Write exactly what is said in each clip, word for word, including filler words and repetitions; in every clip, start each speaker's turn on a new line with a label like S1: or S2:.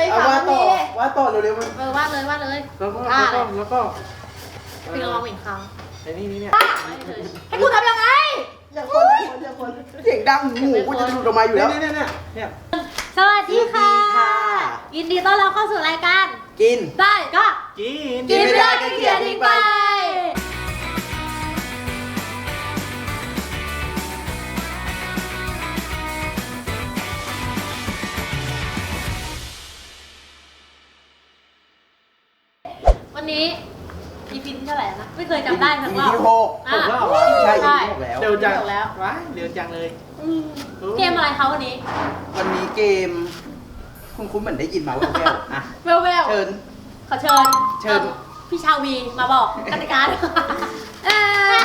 S1: ค่ะว่าต่อว่าต่อเร็วๆมัน
S2: เออวาดเลยวาดเลย
S3: แล้วก็
S2: ท่า
S3: แล้ว
S2: เล
S3: ก็
S2: ย
S3: แล้วก็
S2: พี่ระวังเหม็นคาง
S3: ไอ้นี่นี่เนี่ย
S2: ให้กูทำยังไง
S1: อย่าคนอย่าคนอย่าคนเสียงดังหมูกูจะหลุดออกมาอยู่แล้ว
S3: เนี่ยเนี่ยเนี่ย
S2: สวัสดีค่ะ
S1: สวัสดีค่ะ
S2: ยินดีต้อนรับเข้าสู่รายการ
S1: กิน
S2: ได้ก็
S3: กิน
S2: กินไม่ได้ก็เขียนทิ้งไปวันนี้ อี พี ที่เท่าไหร่นะ ไม่เคยจำได้ทั้งรอบ
S1: อี พี ที่หก
S2: อ่ะ
S3: หกแล้วเหรอ
S1: ใช่
S2: ใช่
S1: อี พี ที่หกแล้ว
S3: เร็วจัง
S2: เร็วแล้ว
S3: ว้ายเร็วจังเลย
S2: อืมเกมอะไรคะวันนี้
S1: วันนี้เกม คุณคุณเหมือนได้ยินมาแว่วๆอ่ะ
S2: เวลเวล
S1: เชิญ
S2: ขอเชิญ
S1: เชิญ
S2: อ่อพี่ชาวีมาบอกกติกาด้วยเอ้ย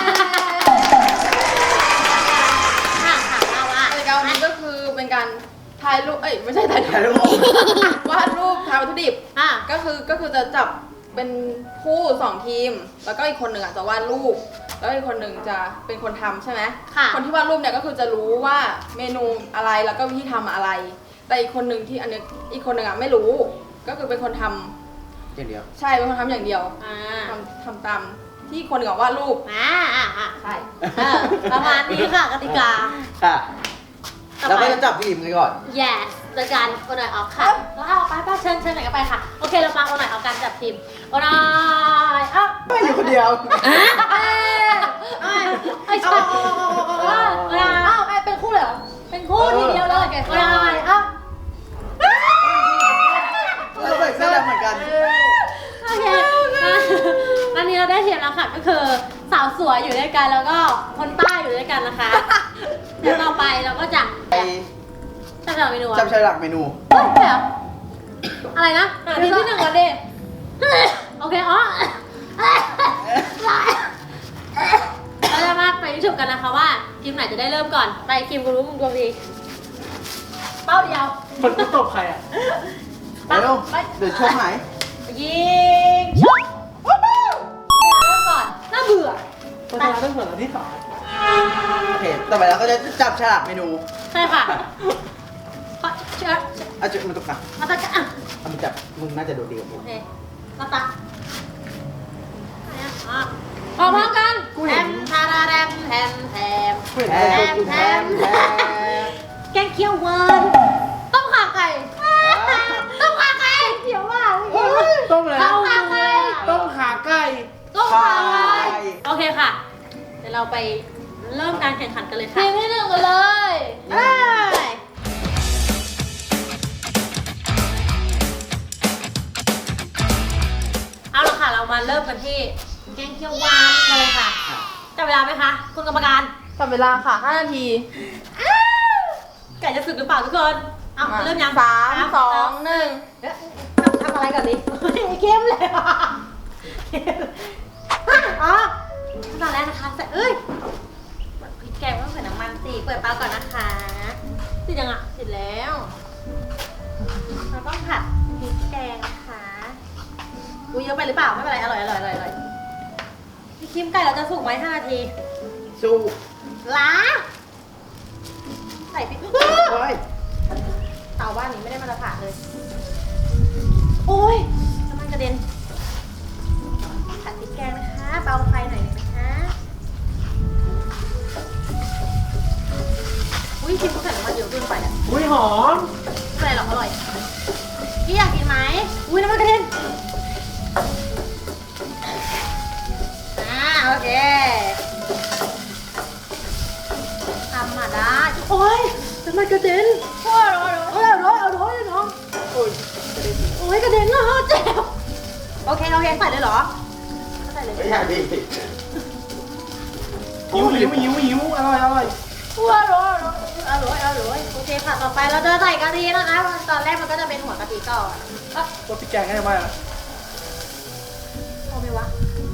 S2: ค่ะค่ะเอาว่า
S4: กิจกรรมนี้ก็คือเป็นการถ่ายรูป เอ้ยไม่ใช่ถ่าย
S1: ถ่ายรูป
S4: วาดรูปทายวัตถุดิบ
S2: อ่ะ
S4: ก็คือก็คือจะจับเป็นคู่สองทีม แล้วก็อีกคนหนึ่งอ่ะจะวาดรูป แล้วอีกคนหนึ่งจะเป็นคนทำใช่ไหม
S2: ค่ะ
S4: คนที่วาดรูปเนี่ยก็คือจะรู้ว่าเมนูอะไรแล้วก็วิธีทำอะไร แต่อีกคนหนึ่งที่อันนี้อีกคนหนึ่งอ่ะไม่รู้ ก็คือเป็นคนทำ
S1: อย่างเดียว
S4: ใช่เป็นคนทำอย่างเดียว
S2: อ่า
S4: ทำทำตามที่คนหนึ่งอ่ะวาดรูป
S2: อ่าอ่าอ่า
S4: ใช่
S2: เออประมาณนี้ค่ะกติกา
S1: ค่ะ
S2: ต่อ
S1: เรา
S2: ไป
S1: ก็จะจับทีมกันก่อน
S2: yes โดยการโอนหน่อยออกค่ะแล้วเอาไปไปเชิญเชิญไหนก็ไปค่ะ โอเคเรามาโอนหน่อยออกการจับทีมโอนหน่อยเอ้า
S1: ไม่อยู่คนเดียว
S2: เอ้ยเอ้ยไอ้ชอบโอนหน่อยเอ้าเป็นคู่เลยเหรอเป็นคู่ทีเดียวเลยโอนหน่อยเอ้า
S1: เราใส่เสื้อดำเหมือนกัน
S2: โอเควันนี้เราได้ทีมแล้วค่ะก็คือสาวสวยอยู่ด้วยกันแล้วก็คนใต้อยู่ด้วยกันนะคะเดี๋ยวต่อไปเราก็จะ
S1: ไป
S2: จับฉลากเมนูอะ
S1: จับฉลากเมนู
S2: เฮ้ยเดี๋ยวอะไรนะทีมที่หนึ่งก่อนดิโอเคอ๋อเราจะมาไปชมกันนะคะว่าทีมไหนจะได้เริ่มก่อนไปทีมกูรู้มึงดวงดีเป้าเดียว
S3: มันกูตบใครอ่ะ
S1: ไปเร็วเดี๋ยวช่วงไหน
S2: ยิงชุบเริ่มก่อนน่าเบื่อ
S3: คนชนะต้องเปิดอันที่สอง
S1: โอเค ต่อไปเราก็จะจับฉลากเมนู
S2: ใช่ค่ะเพราะเชื่อ
S1: อาจจะมันตกกัน
S2: มาตะกะอ่ะ
S1: เอามันจับ มึงน่าจะโดดดีกว่ากู
S2: โอเคมาตะอ่ะพร้อมๆกันแทมทาราแรมแทมแทม
S3: เห็น
S1: แท
S3: อะไร
S1: มแทมแทม
S2: แกงเขียวหวานต้มขาไก่ต้มขาไก่เขียวหวาน
S3: ต้มอะไร
S2: ต้มขาไก่
S3: ต้มขาไก่
S2: ต้มขาไก่โอเคค่ะเดี๋ยวเราไปเริ่มการแข่งขันกันเลยค่ะทีมที่หนึ่งกันเลยไปเอาละค่ะเรามาเริ่มกันที่แกงเขียวหวานกันเลยค่ะจับเวลาไหมคะคุณกรรมการ
S4: จับเวลาค่ะห้านาที
S2: ไก่จะสึกหรือเปล่าทุกคนเอาเริ่มยัง
S4: สามสองหนึ่ง
S2: เอ๊ะทำทำอะไรก่อนดิเข้มเลยอ่ะอ๋อขั้นตอนแรกนะคะใส่เอ้ยพริกแกงต้องใส่น้ำมันสิเปิดเตาก่อนนะคะติดยังอ่ะติดแล้วเราต้องผัดพริกแกงนะคะอุ้ยเยอะไปหรือเปล่าไม่เป็นไรอร่อยอร่อยอร่อยอร่อยพี่คิมไก่เราจะสุกไหมห้านาที
S1: สู้
S2: ล้าใส่พริก
S1: เฮ้ย
S2: เตาบ้านนี้ไม่ได้มาตรฐานเลย โอ้ยน้ำมันกระเด็นผัดพริกแกงนะคะเบาไฟหน่อยนะคะอุ้ยชิมเขาใส่น้ำมันเยอะเกินไปอ่ะ
S3: อุ้ยหอม
S2: ไม่เป็นไรหรอกอร่อยพี่อยากกินไหมอุ้ยน้ำมันกระเด็นอ่าโอเคทำมาได้โอ้ยน้ำมันกระเด็นโอ้ยร้อยร้อยร้อยร้อยน้อง
S1: โอ้ย
S2: โอ้ยกระเด็นแล้วเจ็บโอเคโอเคใส่เลยเหรอใส่เลย
S1: ไม่ใช่พี่
S3: หิวหิวหิวหิวอร่อยอร่อย
S2: ว้าวอร่อยอร่อยอร่อยโอเคค่ะต่อไปเราจะใส่กะทินะคะตอนแรกมันก็จะเป็นหัวกะทิก่อนเอ๊ะ
S3: ตัวพริกแกงง่ายมาก
S2: พอไหมวะ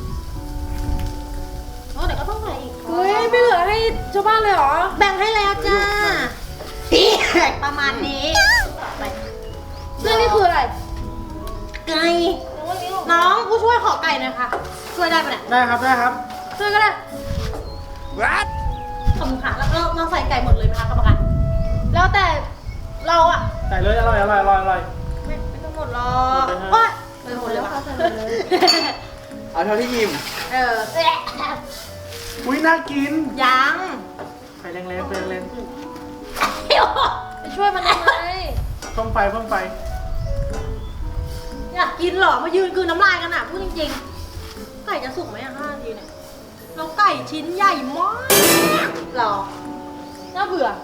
S2: โอ้เดี๋ยวก็ต้องใส่อีก
S4: เฮ้ยไม่เหลือให้ชาวบ้านเลยเหรอ
S2: แบ่งให้แล้วจ้าประมาณนี้ไป
S4: เรื่องนี้คืออะไร
S2: ไก่น้องผู้ช่วยขอไก่หน่อยค่ะช่วยได้ปะเนี่ย
S3: ได้ครับได้ครับ
S2: ช่วยก็ได้
S3: รัด
S2: ขอบคุณค่ะแล้วเราเราใส่ไก่หมดเลยไหมคะกรรมการ
S4: แล้วแต่เราอะ
S3: ใส่เลยอร่อยอร่อยอร่อยอร่อย
S2: ไม่ไม่ต้องมดหรอกโอ๊ยไม่หมดเลยว่ะ
S1: เอาเท่าที่ยิ้ม
S2: เออ
S3: อุ้ยน่ากิน
S2: ยัง
S3: ไฟแรงๆไฟแรง
S2: ไปช่วยมันทำไม
S3: ๆเพิ่มไฟเพิ่มไฟ
S2: อยากกินเหรอ มายืนกลืนน้ำลายกันอ่ะพูดจริงๆ ไก่จะสุกไหมอ่ะห้านาทีเนี่ยเราไก่ชิ้นใหญ่มากหรอน่าเบื่อ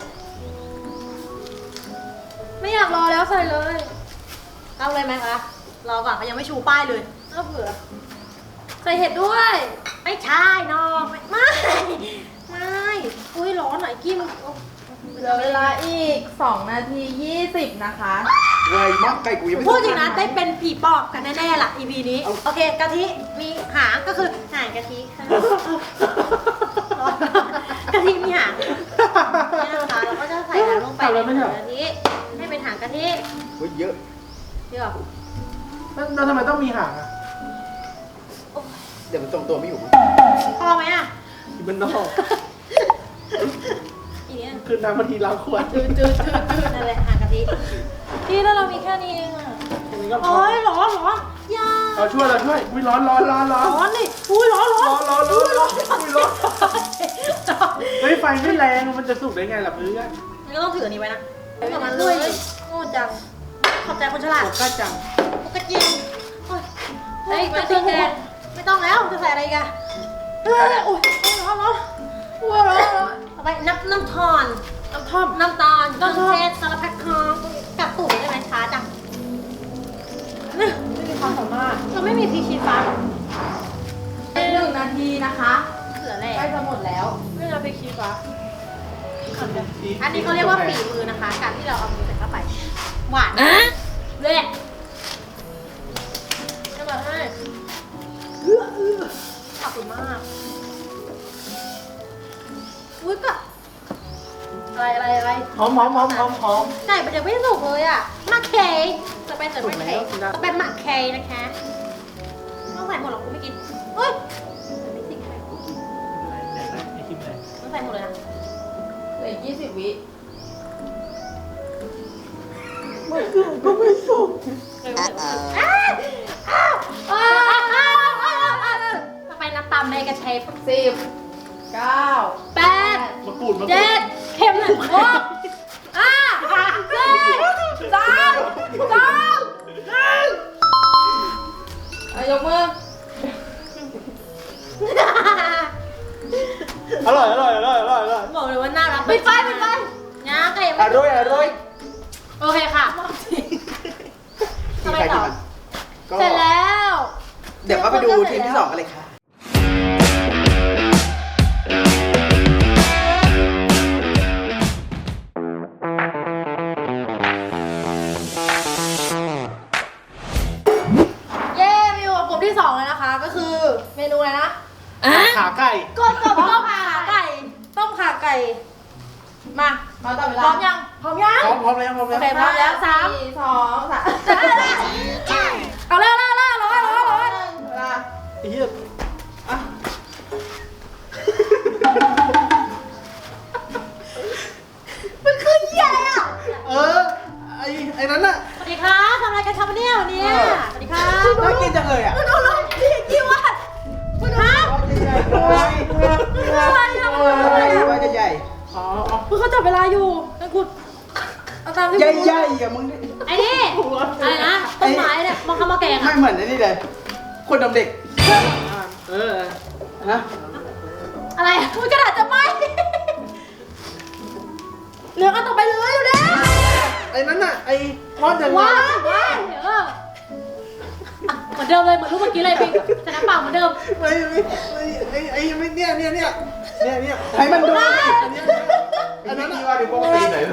S2: ไม่อยากรอแล้วใส่เลย เอาเลยไหมคะ รอก่อนเขายังไม่ชูป้ายเลยน่าเบื่อ ใส่เห็ดด้วย ไม่ใช่น้องไม่ไม่ไม่อุ้ยร้อนหน่อยกี้มัน
S4: เหลือเวลาอีกสองนาทียี่สิบนะคะ
S1: ไวมากไก่กูยังไม่
S2: พูดจริงนะได้เป็นผีปอบกันแน่ๆล่ะ อี พี นี้ โอเคกะทิมีหางก็คือหางกะทิค่ะกะทิมีหางนี่นะคะเราก็จะใส่หางลงไปในหางกะทิให้เป็นหางกะทิ
S1: เฮ้ยเยอะ
S2: เดี๋ยว
S3: แล้วแล้วทำไมต้องมีหางอ่ะ
S1: เดี๋ยวมันทรงตัวไม่อยู่
S2: พอไหมอ่ะ
S3: อีมันนอก
S2: อีเนี้ย
S3: คือน้ำมันทีล้างขวด
S2: จืดจืดจืดจืดนั่นแหละหางกะทิพี่แล้วเรามีแค่นี้เองอ่ะ
S3: อันนี้ก็พอ
S2: โอ้ยร้อนร้อนยา
S3: เราช่วยเราช่วยอุ้ยร้อนร้อนร้อนร้อน
S2: ร้อนนี่อุ้ยร้อนร้อน
S3: ร้อนร้อนร้อนร้อนอุ้ยร้อนเฮ้ยไฟไม่แรงมันจะสุกได้ไงล่ะเพื่อน
S2: นี่ก็ต้องถืออันนี้ไว้นะไม่กับมันเลยโง่จังขอบใจคนฉลาด
S3: ผมกล้าจัง
S2: ปกติโอ้ยเฮ้ยไม่ต้องแกงไม่ต้องแล้วจะใส่อะไรอีกันเฮ้ยโอ้ยร้อนร้อนร้อนร้อนร้อนเอาไปน้ำน้ำทอนน้ำทอมน้ำตาลน้ำเชสสารพัดของกับตุ๋นได้ไหมช้าจังนี่
S4: ไม่มีความสามารถ
S2: เราไม่มีพริกชี้ฟ้าหรอ
S4: หนึ่งนาทีนะคะ
S2: เหลือแหละ
S4: ใกล้จะหมดแล้ว
S2: ไม่เอาพริกชี้ฟ้าอันนี้เขาเรียกว่าฝีมือนะคะ การที่เราเอามือใส่เข้าไป หวานเลยจะแบบให้ขอบคุณมากอุ้ยก็อะไรอะไรอะไร
S3: หอมหอมหอมหอมหอม
S2: ไก่มันยังไม่สุกเลยอ่ะหมักเคยจะเป็นแต่ไม่เคยจะเป็นหมักเคยนะคะต้องใส่หมดหรอกกูไม่กินเฮ้ยไม่สิใคร
S3: ไหนไหนไอคิมไหน
S2: ต้องใส่หมดเลยนะ
S4: เหลือยี่สิบวิ
S3: ไม่สุกก็ไม่สุก
S2: เร็วๆอ้าวอ้าวอ้าวอ้าวอ้าวอ้าวจะไปน้ำตาลในกระเชฟ
S4: สิบเก้า
S2: แปด
S3: มะกรูดมะกรู
S2: เจ็
S3: ด
S2: ดเข็มหนึ่งหกห้าสี่สามสองหนึ่ง
S4: อ่ะยกมือ
S3: อร่อยอร่อยอร่อยอร่อยอร่อย
S2: บอกเลยว่าน่ารักปิดไฟปิดไฟนะไก่ยัง
S1: อ
S2: ไม่
S1: ร่อยอร่อย
S2: โอเคค่ะ
S1: ทีใครทีมันก็
S2: เสร็จแล้ว
S1: เดี๋ยวก็ไปดูทีมที่สองกันเลยค่ะ
S2: เย้มีอยู่กับกลุ่มที่สองแล้วนะคะ ก็คือเมนูอะไรนะ
S3: ขาไก่
S2: ก้นต้มต้มขาไก่ ต้มขาไก่ มา
S4: มาต่อเว
S2: พ
S4: ลา
S2: ร้อมยัง พร้อมยัง
S3: พร้อมพร้อมแล้วพร้อม
S2: โอ
S3: แล้ว
S2: เคพร้อมแล้วสาม
S4: สี่สองสาม
S2: เอาเร็วเร็วเร็วร้อยร้อยร้อย
S4: เวลา
S3: ไอ้เหี้ยอ่ะ
S2: มันคือเหี้ยอะไรอ่ะ
S3: เออไอ้ไอ้นั้นน่ะ
S2: สวัสดีค่ะทำอะไรกันครับวันนี้วันนี้
S3: เออ
S2: สวัสดีค่ะ
S1: น่ากินจังเลยอ่ะ
S2: คุณเอาลงพี่กี่วัดคุณฮะ
S1: ว่าจะใหญ่
S3: อ๋ออ๋อ
S2: คุณเขาจับเวลาอยู่นั่นคุณเอาตามที่
S1: ใหญ่ใหญ่ๆอ่ะมึง
S2: ไอ้นี่อะไรนะต้นไม้เนี่ยมองคำว่าแกง
S1: ไม่
S2: อ่ะ
S1: เหมือนไอ้นี่เลย คนดำเด็ก
S3: เออ
S1: นะ
S2: อะไรอ่ะมันกระดาษจะไหมเหลือกันต่อไปเลยอยู่แล้ว
S3: ไอ้นั้นน่ะไอ้ทอดยังไง
S2: ว้าวว้าวเออเหมือนเดิมเลยเหมือนรูปเมื่อกี้เลยพี่ชนะเปล่าเหมือนเดิม
S3: ไม่ไม่ไม่ไอ้ไอ้ไม่เนี่ยเนี่ยเนี่ยเนี่ยเนี่ย
S1: ให้มันดู
S3: อันเนี้ยอันนั้นน่ะว่าดิพวกปีไหน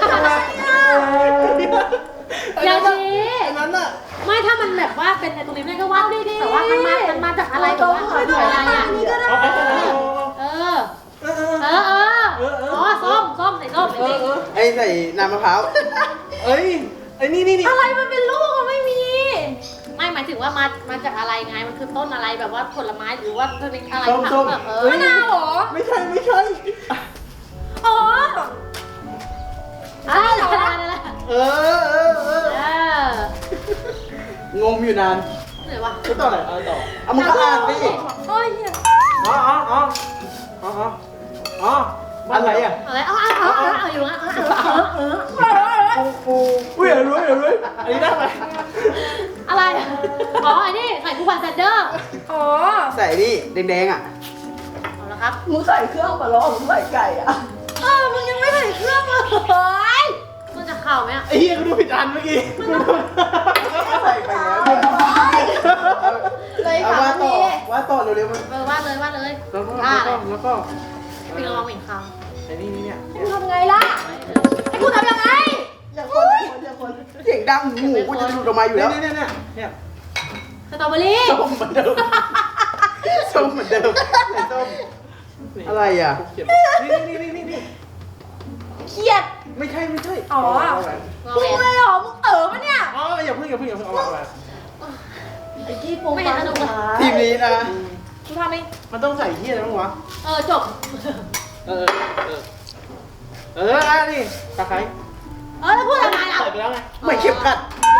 S2: อย่าชี้
S3: อันนั้นน่ะ
S2: ไม่ถ้ามันแบบว่าเป็นไอ้ตรงนี้แม่ก็ว่าดีๆแต่ว่ามันมามันมาจากอะไรแบบว่าอะไรอ่ะ
S3: เอาเอาเอาเอา
S2: เออ เออเออเอออ๋อส้มส้มใส่ส้มใส่พริก
S1: ไอ้ใส่น้ำมะพร้าว
S3: เอ้ยไอ้นี่นี่นี่
S2: อะไรมันเป็นลูกอะไม่มี ไม่หมายถึงว่ามามาจากอะไรไงมันคือต้นอะไรแบบว่าผลไม้หรือว่าเป็นอะไร
S3: ส้ม
S2: ผัก
S3: ส้ม
S2: แบบเออมะนาวเหรอ
S3: ไม่ใช่ไม่ใช่
S2: อ๋ออะไรเหรอ
S3: เออเออเออ
S2: เออ
S1: งงอยู่นาน
S2: เหนื่อยวะ
S3: จะต่อไหนเอาต่อ
S1: เอามึงก็อ่านดิ
S2: โอ้ยเหี้ย
S3: อ๋ออ๋ออ๋ออ๋ออ๋ออะไรอ่ะ
S2: อะไรเอาเอาเอาเอาเอาอยู่นะเอาเอาเอาเอา
S3: ปูปูอุ้ยอย่ารู้อย่ารู้อันนี้ได้ไหม
S2: อะไรอ๋อไอ้นี่ใส่คู่พันแซนเดอร์
S4: อ๋อ
S1: ใส่นี่แดงๆอ่ะ
S2: เอาละครับ
S5: มึงใส่เครื่องมาล้อมึงใส่ไก่อะ
S2: เออมึงยังไม่ใส่เครื่องเลยมันจะเข่าไหมอ่ะ
S3: ไอ้เหี้ยกูดูผิดอันเมื่อกี้
S1: ใส่ไปแล้ว
S4: เลย
S1: เอา
S4: ค่ะ
S1: ว่าต่อ
S4: พี่
S1: ว่าต่อเร็วๆมัน
S2: เออวาดเลยวาดเลย
S3: แล้วก็
S2: อ่า
S3: แล้วก็แล้วก็
S2: ปิงระวังเหม็นค
S3: ไอ้นี่นี่เนี่ย
S4: กูทำไงล่ะให้กูทำยังไง
S5: อย่าคนอย่าคนอย่าคน
S1: เสียงดังหูกูจะหลุดออกมาอยู่
S3: เนี่ย
S1: แล้ว
S3: เนี่ยเนี่ยเนี่ย
S2: ำสตรอเบอรี่
S1: ส้มเหมือนเดิมส้มเหมือนเดิมไหนส้มอะไรอ่ะ
S3: เขียนนี่นี่นี่นี่นี่
S4: เครียด
S3: ไม่ใช่ไม่ใช่
S4: อ๋อ
S2: งอ
S4: มึง
S2: แง
S4: เลยเหรอ มึงเอ๋อปะเนี่ย
S3: อ๋ออย่าเพิ่งอย่าเพิ่งอย่าเพิ่งเอามาเอามา
S5: ไอ้ที่ปู
S2: ไม่เห็นสนุกเลย
S1: ทีมนี้นะ
S2: กูทำเอง
S3: มันต้องใส่ที่อะไรบ้างวะ
S2: เออจบ
S3: เออเออเอออ่ะนี่ตะไคร้
S2: เออแล้วพูดทำไมล่ะ
S3: ใส่ไปแล้วไง
S1: ไม่เข็มขัด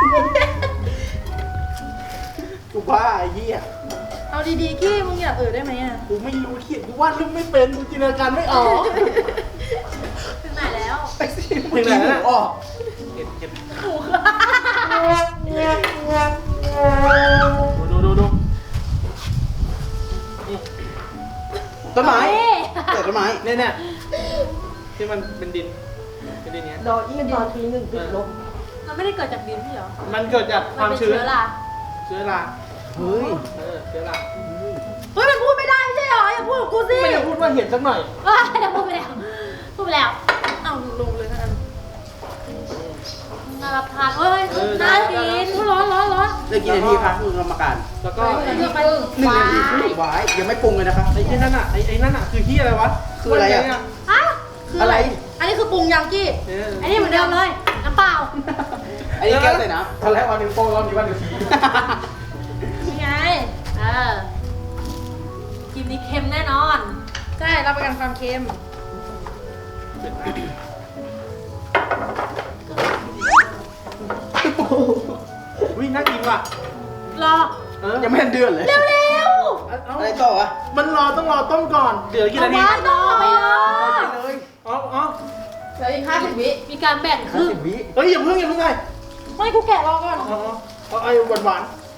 S1: กูบ้าไอ้เหี้ย
S4: เอาดีๆกี้มึงอย่าเอ๋อได้ไหมอ่ะ
S3: กูไม่รู้เขียนกูวาดรูปไม่เป็นกูจินตนาการไม่ออก
S2: ถึงไหนแล้ว
S1: ไปสิเมื่อกี้หนูออก
S3: เก็บเก็บดูดูดูนี่
S1: ต้นไม้
S2: เฮ้ย
S1: แต่ต้นไม้
S3: เนี่ยเนี่ยที่มันเป็นดินเป็นดินเนี้ย
S5: ดออีดอทีหนึ่งติดลบ
S2: มันไม่ได้เกิดจากดินพี่เหรอ
S3: มันเกิดจากค
S2: มัน
S3: วาม
S2: เป็น
S3: ชื้น
S2: เชื้อรา
S3: เชื้อรา
S1: เฮ้ย
S3: เออเชื้อรา
S4: เฮ้ยมันพูดไม่ได้ไม่ใช่เหรอ อย่าพูดกับกูสิ
S3: ไม่ได้พูดว่าเห็นสักหน่อย
S2: เออเดี๋ยวพูดไปแล้วพูดไปแล้ว
S4: เอาลงเลยนะ
S2: น่ารับทานเอ้ยน่ากินร้อนร้อนร้อน
S1: เหลยกี่นาทีคะคุณกรรมการ
S3: แล้วก็
S2: เดี๋ยวไป
S1: หนึ่งนาทีครึ่งไว้ยังไม่ปรุงเลยนะครับ
S3: ไอ้ที่นั่นอ่ะไอ้ไอ้นั่นอ่ะคือที่อะไรวะ
S1: คืออะไรอะ
S3: เนี่ย
S2: ฮะ
S1: อะไร
S4: อันนี้คือปรุงยังกี้
S3: เออ
S2: ไอ้นี่เหมือนเดิมเลยน้ำเปล่า
S1: อันนี้แก้วใส่น้
S3: ตอนแรกวันหนึ่งโป้งรอบนี้วันหนึ่งที
S1: ำ
S2: นี่ไงเออกินนี้เค็มแน่นอน
S4: ใช่ เราประกันความเค็ม
S3: วิ่งน่ากินว่ะ
S2: รอ
S3: เออ
S1: ยังไม่ทันเดือนเลย
S2: เร็ว
S3: เอาเอา
S1: อะไรต่อวะ
S3: มันรอต้องรอต้มก่อนเดี๋ยว
S2: ๆ
S3: กี่
S2: เอา
S3: นาที
S2: ไว้ต่อไปเลย
S1: ไปเลย
S3: อ๋ออ๋อ
S4: เหลืออีกห้าสิบวิ
S2: มีการแบ่งค
S1: ห้า
S2: รึ่ง
S1: สิบวิ
S3: เฮ้ยอย่าเพิ่งอย่าเพิ่งไง
S4: ไม่กูแกะรอก่อน
S3: อ๋ออ๋อเอาไอ้หวานหวาน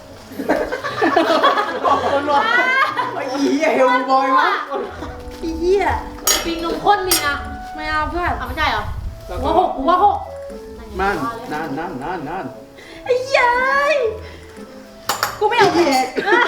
S1: คนรอไอ้เหี้ยเฮลบอยวะ
S4: อีเหี้ย
S2: ปิงนมข้นมีนะ
S4: ไม่เอาเพื่อน
S2: เอาไม่ใช่เหรอ
S3: ๆแล้ว
S2: กู
S3: ก็
S2: ว่าหกกูว่าหก
S1: มันนานนานนานนาน
S4: ไอ้เหี้ยกูไม่เอา
S1: เหี้ย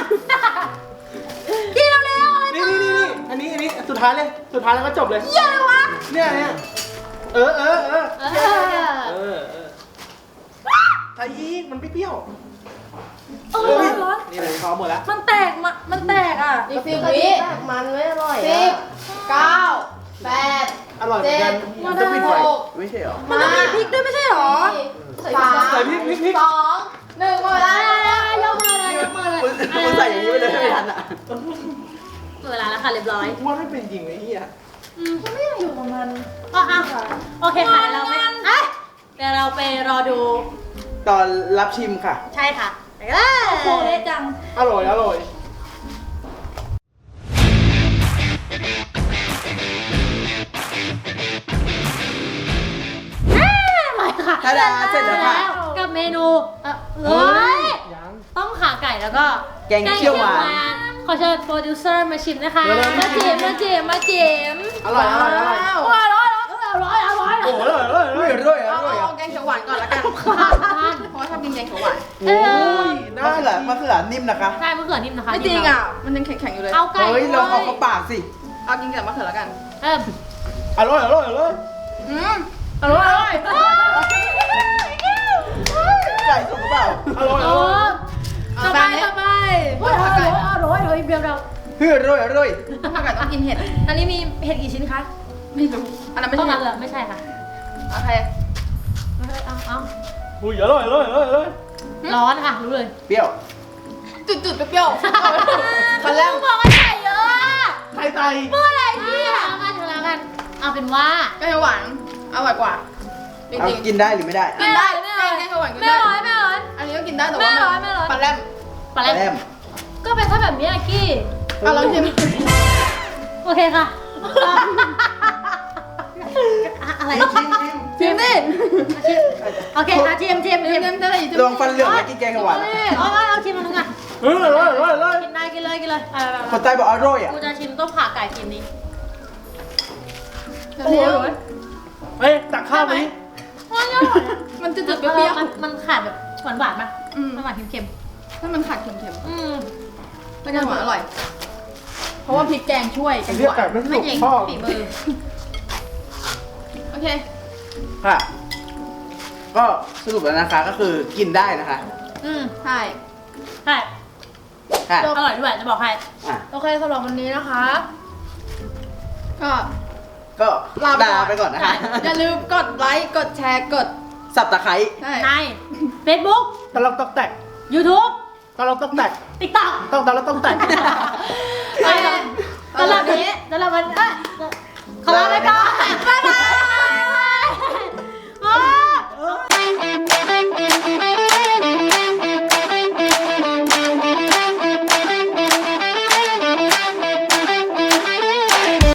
S4: กินเร็วๆอะไร
S3: นี่นี่นี่นี่อันนี้อันนี้สุดท้ายเลยสุดท้ายแล้วก็จบเลย
S4: เหี้ยอะไรวะ
S3: เนี่ยเนี่ยเออเออเออ
S2: เอ
S3: เอ
S2: อ
S3: อเออไอ้อีกมันไม่เปรี้ยว
S2: เออร้อนร้อน
S3: นี่เลยเขาหมดแล้ว
S4: มันแตกมามันแตกอ่ะ
S5: อีกสิบวิมันไม่อร่อย
S4: สิบ
S5: อะ
S4: เก้าแปด
S3: อร่อยเหมือนกัน
S1: มันจะปิดไฟไม่ใช่เหรอ
S4: มันต้องมีพริกด้วยไม่ใช่หรอ
S5: สาม
S3: ใส่พริกพริกพริก
S4: สองหนึ่งหมด
S2: ได้
S4: แล้ว
S2: ยกมือเลยยกมือเลย
S1: มึงมึงใส่อย่างนี้ไปเลยไม่ทันอ่ะ
S2: หมดเวลาแล้วค่ะเรียบร้อย
S3: ว่าไม่เป็นจริงไอ้เหี้ย
S2: อืม
S4: ไม่อยากอยู่กับมัน
S2: ก็อ่ะโอเคค่ะเดี๋ยวเราไปเอ้ยเดี๋ยวเราไปรอดู
S1: ตอนรับชิมค่ะ
S2: ใช่ค่ะไปเลย
S4: โคเละจัง
S3: อร่อยอร่อย
S2: มาค่ะ
S1: ทาดาเสร็จแล้วค่ะ
S2: กับเมนูเอ่อเฮ้ย
S3: ยัง
S2: ต้มขาไก่แล้วก็
S1: แกงเขียวหวาน
S2: ขอเชิญโปรดิวเซอร์มาชิมนะคะ
S3: เร็วๆ
S2: มาจิมมาจิมมาจิม
S3: อร่อยอร่อยอร่อย
S2: อร่อยอร่อยอร่อยอร่อย
S3: โอ้โหอร่อยอร่อยอ
S1: ด้
S3: ร่
S1: ว
S3: อย ย
S1: ด้วย
S4: เอา
S1: ด้วย
S4: เอาแกงเขียวหวานก่อนละกัน
S2: ขาดทาน
S4: เพราะว่าชอบกินแกงเขียวหวาน
S3: โอ้ย
S1: มะเขือมะเขือนิ่มนะคะ
S2: ใช่มะเขือนิ่มนะคะ
S4: ไม่จริงอ่ะ มันยังแข็งๆอยู่เลย
S2: เอาไก่
S1: เฮ้ยลองเอาเข้าปากสิ
S4: เอากินกับมะเขือละกัน
S2: เออ
S3: อร่อยอร่อยอร่อย
S4: อืมอร่อยอร่อย
S1: ไก่สุกหรือเปล่า
S3: อร่อยอ
S2: โอ้
S3: ร่อย
S2: ต่อไปต่อไปโอ้ยอร่อยอร่อยอร่อยเบียวเรา
S1: เฮ้ยอร่อยอร่อย
S4: ผักกาดต้องกินเห็ด
S2: อันนี้มีเห็ดกี่ชิ้นคะ
S4: ไม่รู้อันนั้นไม่
S2: ต้
S4: ใช่
S2: อง
S4: เห็
S2: มา
S4: ด
S2: เลยไม่ใช่ค่ะ
S4: โอเค
S2: เอาเอา
S3: อุ้ยอร่อยอร่อยอร่อยอร่อย
S2: ร้อนค่ะรู้เลย
S1: เปรี้ยว
S4: จุดๆเปรี้ยวๆตอนแรก
S2: บอกว่าใส่เยอะ
S3: ไข่ไต
S2: เมื่อไหร่เนี่ยเอากันเอากันเอาเป็นว่า
S4: แกงเขียวหวานอร่อยกว่า จ
S1: เอา
S4: ริง
S1: กินได้หรือไม่ได้
S4: ๆกินได้แกงเขียวหวานกิน
S2: ไม่
S4: ได้
S2: ร้อยไม่ร้อย
S4: อันนี้ก็กินได้แต่
S2: ไม่
S4: ว่า
S2: ร้อยไม่ร้อย
S4: ปลาแรม
S2: ปลา
S1: แร
S2: แรม
S1: ม
S2: ก็เป็นถ้าแบบนี้อะกี้
S4: อ่ะลองชิม
S2: โอเคค่ะอะอะไร
S1: ชิมชิม
S4: ชิมดิ
S2: โอเคค่ะชิมชิม
S4: ชิ
S2: ชิ
S4: ม
S2: ม
S4: ชิมจะได้ชิม
S1: ลองฟันเหลืองแล้วกินแกงเขียวหวานอะ
S2: เอาเอาเอาชิมมันนึงอ่ะ
S3: เฮ้ยอร่อยอร่อยอร่อย
S2: กินได้กินเลยกินเลยเอาเอา
S1: คนใต้บอกอร่อยอ่ะ
S2: กูจะชิมต้มขาไก่ชิมนี้
S4: เดี๋ยวเดี๋ยว
S3: เฮ้ยตักข้าวไหม
S4: มันจะจืดๆเปรี้ยว
S2: มันมันขาดแบบหวานหวานๆป่ะ
S4: ๆอืม
S2: มันหวานเค็ม
S4: ถ้ามันขาดเค็ม
S2: ๆอืม
S4: ๆมันจะหวานอร่อย เพราะว่าพริกแกงช่วยแก
S3: ไอ้
S4: ง
S3: เรียก
S4: หวา
S3: ไก่
S4: น
S3: ไม่
S2: ไม่
S3: สุก
S2: เอง
S3: พ่อ
S2: ฝีมือ
S4: โอเค
S1: ค่ะ ก็สรุปแล้วนะคะก็คือกินได้นะคะ
S2: อืม
S4: ใช่
S2: ใช่
S1: ค่ะ
S2: อร่อยด้วยจะบอกให้
S1: อ่ะ
S5: โอเคสำหรับวันนี้นะคะ
S4: ก็
S1: ก็
S4: ลาไปก่อน
S1: ลาไปก่อนนะคะ
S4: อย่าลืมกดไลค์ กดแชร์ กด
S1: สับตะไคร้
S4: ใช่
S2: ใน Facebook
S3: ตะลอกตอกแตก
S2: YouTube
S3: ตะลอกตอกแตก
S2: TikTok
S3: ต้องตะลอกต้องแตก
S2: ไป